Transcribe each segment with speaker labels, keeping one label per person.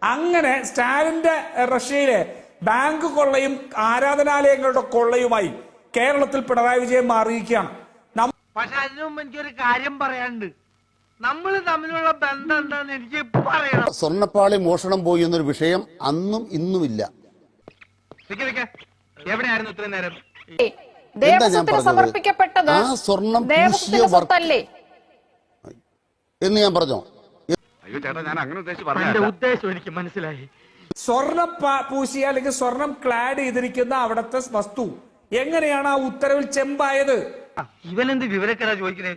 Speaker 1: അങ്ങനെ സ്റ്റാലിന്റെ റഷ്യയിലെ ബാങ്ക് കൊള്ളയും ആരാധനാലയങ്ങളുടെ കൊള്ളയുമായി കേരളത്തിൽ പിണറായി വിജയൻ മാറിയിരിക്കുകയാണ്.
Speaker 2: പക്ഷെ അതിനു മുമ്പ് എനിക്കൊരു കാര്യം പറയാനുണ്ട്. നമ്മൾ തമ്മിലുള്ള ബന്ധം എന്താന്ന് എനിക്ക് പറയണം.
Speaker 3: സ്വർണ്ണപ്പാളി മോഷണം പോയി എന്നൊരു വിഷയം അന്നും ഇന്നുമില്ല.
Speaker 2: എവിടെയായിരുന്നു ഇത്രയും നേരം?
Speaker 4: സമർപ്പിക്കപ്പെട്ടത്
Speaker 3: ആ സ്വർണം എന്ന് ഞാൻ പറഞ്ഞോ?
Speaker 5: അയ്യോ ചേട്ടാ, ഞാൻ അങ്ങനെ ഉദ്ദേശിച്ചു
Speaker 2: ഉദ്ദേശം എനിക്ക് മനസ്സിലായി.
Speaker 1: സ്വർണം പൂശിയ അല്ലെങ്കിൽ സ്വർണം ക്ലാഡ് ചെയ്തിരിക്കുന്ന അവിടുത്തെ വസ്തു എങ്ങനെയാണ് ആ ഉത്തരവിൽ ചെമ്പായത്?
Speaker 2: ഇവനെന്ത് വിവരക്കാരാ ചോദിക്കുന്നേ?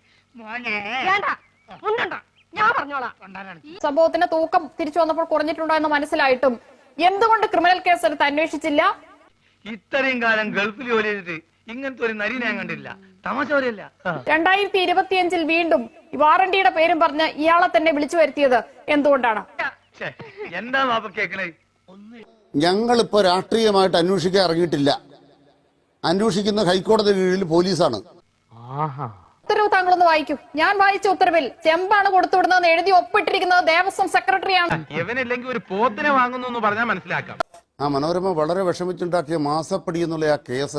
Speaker 4: സംഭവത്തിന്റെ തൂക്കം തിരിച്ചു വന്നപ്പോൾ കുറഞ്ഞിട്ടുണ്ടോ എന്ന് മനസ്സിലായിട്ടും എന്തുകൊണ്ട് ക്രിമിനൽ കേസ് എടുത്ത് അന്വേഷിച്ചില്ല?
Speaker 2: ഇത്രയും കാലം ഗൾഫിൽ ജോലി ചെയ്തിട്ട് ഇങ്ങനത്തെ ഒരു നരി ഞാൻ കണ്ടില്ല. തമാശ പോലെയല്ല.
Speaker 4: 2025 വീണ്ടും വാറണ്ടിയുടെ പേരും പറഞ്ഞ് ഇയാളെ തന്നെ വിളിച്ചു വരുത്തിയത് എന്തുകൊണ്ടാണ്?
Speaker 2: എന്താ വാപ്പ കേക്കണേ?
Speaker 3: ഞങ്ങളിപ്പോ രാഷ്ട്രീയമായിട്ട് അന്വേഷിക്കാൻ ഇറങ്ങിയിട്ടില്ല. അന്വേഷിക്കുന്ന ഹൈക്കോടതി കീഴിൽ പോലീസാണ്.
Speaker 4: ഉത്തരവ് താങ്കളൊന്ന് വായിക്കൂ. ഞാൻ വായിച്ച ഉത്തരവിൽ ചെമ്പാണ് കൊടുത്തുവിടുന്നതെന്ന് എഴുതി ഒപ്പിട്ടിരിക്കുന്നത് ദേവസ്വം സെക്രട്ടറിയാണ്.
Speaker 2: ഇവനില്ലെങ്കിൽ ഒരു പോത്തിനെ വാങ്ങുന്നു എന്ന് പറഞ്ഞാൽ മനസ്സിലാക്കാം.
Speaker 3: ആ മനോരമ വളരെ വിഷമിച്ചുണ്ടാക്കിയ മാസപ്പടി എന്നുള്ള ആ കേസ്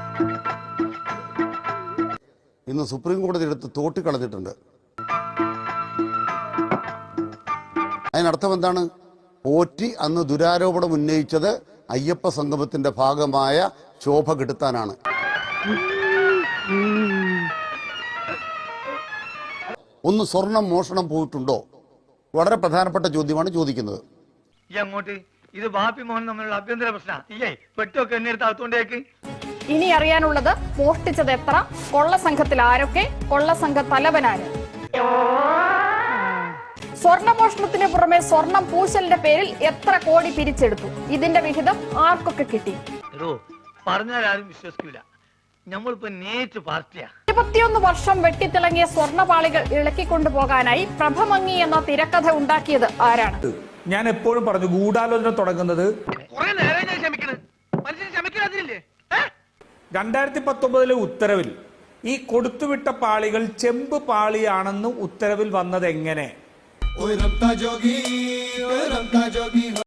Speaker 3: ഇന്ന് സുപ്രീം കോടതി എടുത്ത് തോട്ടിക്കളഞ്ഞിട്ടുണ്ട്. അതിനർത്ഥം എന്താണ്? പോറ്റി അന്ന് ദുരാരോപണം ഉന്നയിച്ചത് അയ്യപ്പ സംഗമത്തിന്റെ ഭാഗമായ ശോഭ കെടുത്താനാണ്. ഒന്ന് സ്വർണം മോഷണം പോയിട്ടുണ്ടോ? വളരെ പ്രധാനപ്പെട്ട ചോദ്യമാണ് ചോദിക്കുന്നത്.
Speaker 2: അങ്ങോട്ട് ഇത് ബാപ്പി മോഹൻ തമ്മിലുള്ള ആഭ്യന്തര പ്രശ്നം. ഇല്ലേ പെട്ടൊക്കെ എന്നെ എടുത്ത് അകത്തോണ്ടേക്ക്.
Speaker 4: ഇനി അറിയാനുള്ളത് മോഷ്ടിച്ചത് എത്ര, കൊള്ള സംഘത്തിൽ ആരൊക്കെ, കൊള്ള സംഘ തലവനാര്. സ്വർണ്ണമോഷണത്തിന് പുറമെ സ്വർണം പൂശലിന്റെ പേരിൽ എത്ര കോടി പിരിച്ചെടുത്തു, ഇതിന്റെ വിഹിതം ആർക്കൊക്കെ കിട്ടി?
Speaker 2: പറഞ്ഞാൽ ആരും വിശ്വസിക്കില്ല. നമ്മളിപ്പോ നേരിട്ട് പാർട്ടിയാ.
Speaker 4: 21 വർഷം വെട്ടിത്തിളങ്ങിയ സ്വർണ്ണപാളികൾ ഇളക്കിക്കൊണ്ടുപോകാനായി പ്രഭമങ്ങി എന്ന തിരക്കഥ ഉണ്ടാക്കിയത് ആരാണ്?
Speaker 1: ഞാൻ എപ്പോഴും പറഞ്ഞു, ഗൂഢാലോചന തുടങ്ങുന്നത് 2019 ഉത്തരവിൽ ഈ കൊടുത്തുവിട്ട പാളികൾ ചെമ്പ് പാളിയാണെന്ന് ഉത്തരവിൽ വന്നത് എങ്ങനെ?